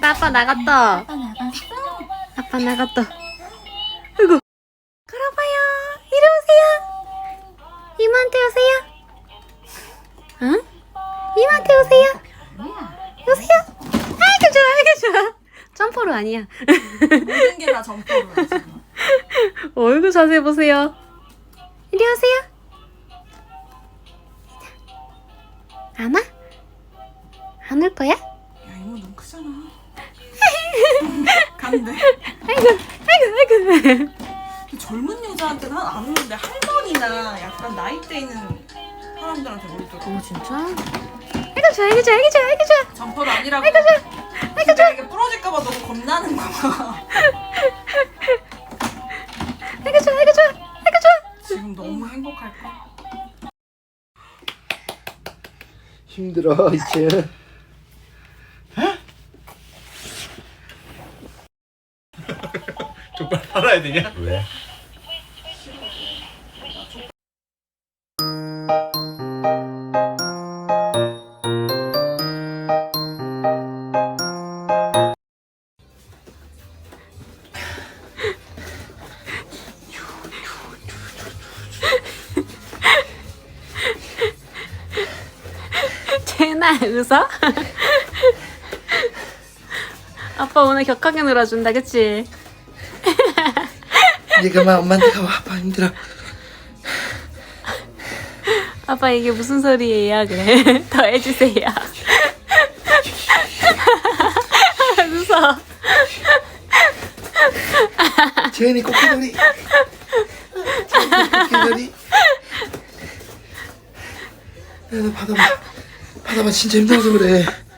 아빠 나갔다. 아빠 나갔어? 아빠 나갔다. 아이고. 걸어봐요. 이리 오세요. 이모한테 오세요. 응? 이모한테 오세요. 뭐야? 오세요. 아이고 좋아, 아이고 좋아. 점퍼로 아니야. 모든 게 다 점퍼로야 지금. 얼굴 자세히 보세요. 이리 오세요. 안 와? 안 올 거야? 야 이모 너무 크잖아. 간대. 아이고, 아이고, 아이고. 젊은 여자한테는 안 오는데 할머니나 약간 나이대 있는 사람들한테 오더라고. 진짜? 아이고 좋아, 아이고 좋아, 아이고 좋아, 아이고 좋아. 점퍼도 아니라고. 아이고 좋아. 아이고 진짜 이게 부러질까봐 너무 겁나는 거야. 아이고 좋아, 아이고 좋아, 아이고 좋아. 지금 너무 행복할까? 힘들어 이제. 족발 팔아야 되냐? 왜? 쟤나 웃어? 아빠 오늘 격하게 놀아준다, 그치? 얘가 막 엄마한테 가봐. 아빠 힘들어. 아빠 이게 무슨 소리예요? 그래. 더 해주세요. 웃어. 재현이 코끼놀이. 재현이 코끼놀이. 야, 너 받아봐. 받아봐. 진짜 힘들어서 그래.